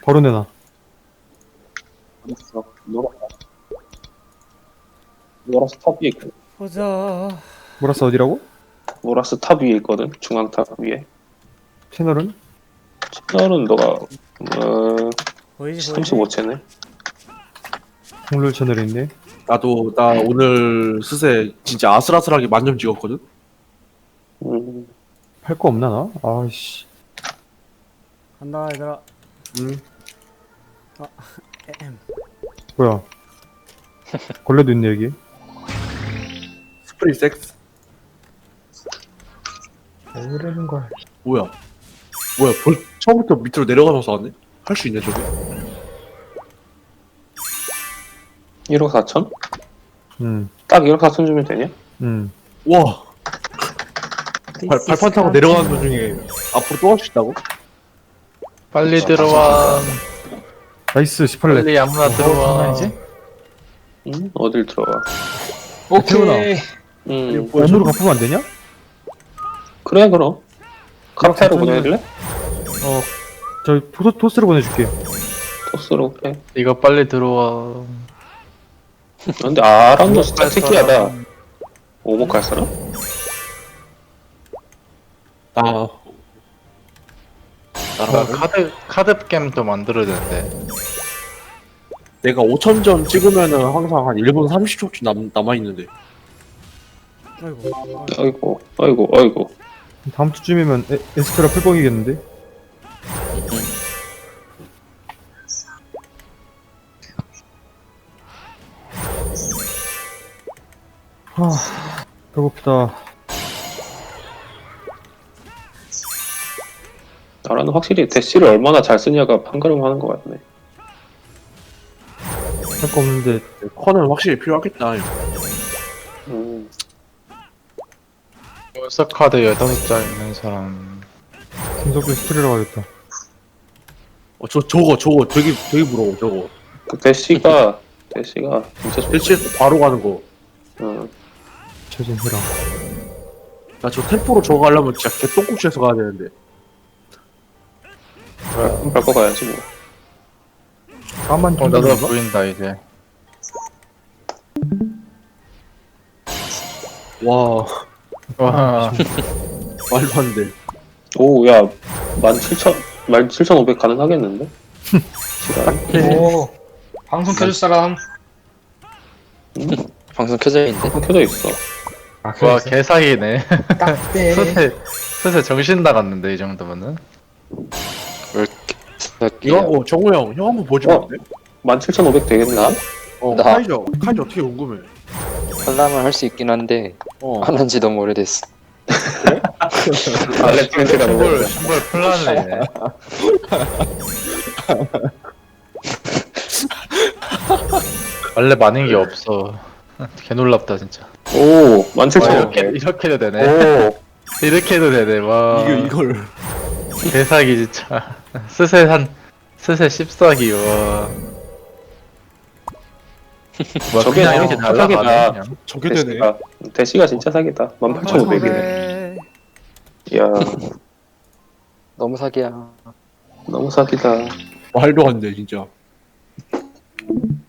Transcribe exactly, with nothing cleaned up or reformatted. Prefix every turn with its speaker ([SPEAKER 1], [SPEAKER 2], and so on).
[SPEAKER 1] 바로 내놔.
[SPEAKER 2] 알았어. 노라. 노라스 탑 위에 있거든.
[SPEAKER 3] 보자.
[SPEAKER 1] 몰았어 어디라고?
[SPEAKER 2] 노라스 탑 위에 있거든. 중앙 탑 위에.
[SPEAKER 1] 채널은?
[SPEAKER 2] 채널은 너가 어
[SPEAKER 3] 보이지 보이지?
[SPEAKER 2] 삼십오 채네.
[SPEAKER 1] 홍룰 채널이 있네.
[SPEAKER 4] 나도 나 오늘 스세 진짜 아슬아슬하게 만점 찍었거든.
[SPEAKER 2] 음.
[SPEAKER 1] 할 거 없나 나? 아이씨.
[SPEAKER 3] 간다 얘들아.
[SPEAKER 4] 응.
[SPEAKER 3] 에헴.
[SPEAKER 1] 뭐야? 걸레도 있네 여기.
[SPEAKER 4] 스프링 섹스.
[SPEAKER 1] 왜 이러는 거야?
[SPEAKER 4] 뭐야? 뭐야? 벌 처음부터 밑으로 내려가면서 왔네? 할 수 있네 저게.
[SPEAKER 2] 일억 사천?
[SPEAKER 1] 응.
[SPEAKER 2] 딱 일억 사천 주면 되냐?
[SPEAKER 1] 응.
[SPEAKER 4] 와. 발, 발판 타고 내려가는 도중에 앞으로 또 할 수 있다고?
[SPEAKER 5] 빨리 들어와.
[SPEAKER 1] 나이스 십팔 렙.
[SPEAKER 5] 빨리 아무나 들어와.
[SPEAKER 2] 응? 어딜 들어가?
[SPEAKER 5] 오케이.
[SPEAKER 2] 음.
[SPEAKER 1] 원으로 갚으면 안 되냐?
[SPEAKER 2] 그래 그럼. 카페로 보내줄래?
[SPEAKER 1] 어. 저 토스, 토스로 보내줄게.
[SPEAKER 2] 토스로 그래.
[SPEAKER 5] 이거 빨리 들어와.
[SPEAKER 2] 근데 아람도 진짜 특이하다. 오목 갈 사람?
[SPEAKER 4] 나
[SPEAKER 5] 나
[SPEAKER 4] 나라고?
[SPEAKER 5] 카드 카드 게임도 만들어야 되는데.
[SPEAKER 4] 내가 오천 점 찍으면은 항상 한 일 분 삼십 초쯤 남, 남아있는데.
[SPEAKER 3] 아이고.
[SPEAKER 2] 아이고 아이고 아이고.
[SPEAKER 1] 다음 주쯤이면 에, 에스페라 풀뻥이겠는데? 하, 배고프다.
[SPEAKER 2] 나라는 확실히 대시를 얼마나 잘 쓰냐가 판가름하는 것 같네.
[SPEAKER 1] 할 거 없는데
[SPEAKER 4] 커는 확실히 필요하겠다.
[SPEAKER 2] 음.
[SPEAKER 5] 월서 카드 열다섯 장 있는 사람.
[SPEAKER 1] 김석규 스토리로 가겠다.
[SPEAKER 4] 어, 저 저거 저거 되게 되게 부러워 저거.
[SPEAKER 2] 그 대시가 대시가 진짜 좋.
[SPEAKER 4] 대치에서 바로 가는 거.
[SPEAKER 2] 음.
[SPEAKER 1] 최진 해라.
[SPEAKER 4] 나 저 템포로 저거 하려면 진짜 개똥국시에서 가야 되는데.
[SPEAKER 2] 그럼 밟고 가야지 뭐.
[SPEAKER 1] 까만
[SPEAKER 5] 어 나도
[SPEAKER 1] 킹덤인가?
[SPEAKER 5] 보인다 이제.
[SPEAKER 4] 와
[SPEAKER 5] 와.
[SPEAKER 4] 말도 안 돼.
[SPEAKER 2] 오, 야, 만 칠천, 만 칠천오백 가능하겠는데? 시간.
[SPEAKER 6] 오, 방송 켜줄 사람.
[SPEAKER 7] 방송 켜져 있는데?
[SPEAKER 2] 방송 켜져 있어.
[SPEAKER 6] 아,
[SPEAKER 5] 와 개사기네.
[SPEAKER 6] 딱대.
[SPEAKER 5] 스세 스세 정신 나갔는데 이 정도면은.
[SPEAKER 7] 왜 이렇게
[SPEAKER 4] 이거
[SPEAKER 7] 새끼야.
[SPEAKER 4] 하고 정우 형, 형 한번 보여주면 안 돼?
[SPEAKER 2] 만 칠천오백 되겠는데?
[SPEAKER 4] 어,
[SPEAKER 7] 나-
[SPEAKER 4] 카이저, 카이저 어떻게 궁금해.
[SPEAKER 7] 하려면 할 수 있긴 한데
[SPEAKER 4] 어.
[SPEAKER 7] 안 한 지 너무 오래됐어.
[SPEAKER 2] 알렉 팬트가 너무
[SPEAKER 5] 신발
[SPEAKER 2] 없다.
[SPEAKER 5] 신발 플란이네. 원래 많은 게 없어. 개 놀랍다 진짜.
[SPEAKER 2] 오, 만
[SPEAKER 5] 와,
[SPEAKER 2] 칠천오백.
[SPEAKER 5] 이렇게 이렇게도 되네.
[SPEAKER 2] 오,
[SPEAKER 5] 이렇게도 되네. 와.
[SPEAKER 4] 이거 이걸
[SPEAKER 5] 개사기 진짜. 스세 한 스세 십사기 와. 뭐
[SPEAKER 2] 저게
[SPEAKER 5] 그냥 이렇게
[SPEAKER 2] 진짜
[SPEAKER 5] 날라가네.
[SPEAKER 2] 사기다.
[SPEAKER 5] 그냥.
[SPEAKER 4] 저게 되네.
[SPEAKER 2] 대시가, 대시가 진짜 사기다. 만 팔천오백이네.
[SPEAKER 3] 네.
[SPEAKER 2] 이야,
[SPEAKER 7] 너무 사기야.
[SPEAKER 2] 너무 사기다.
[SPEAKER 4] 말도 안 돼, 진짜.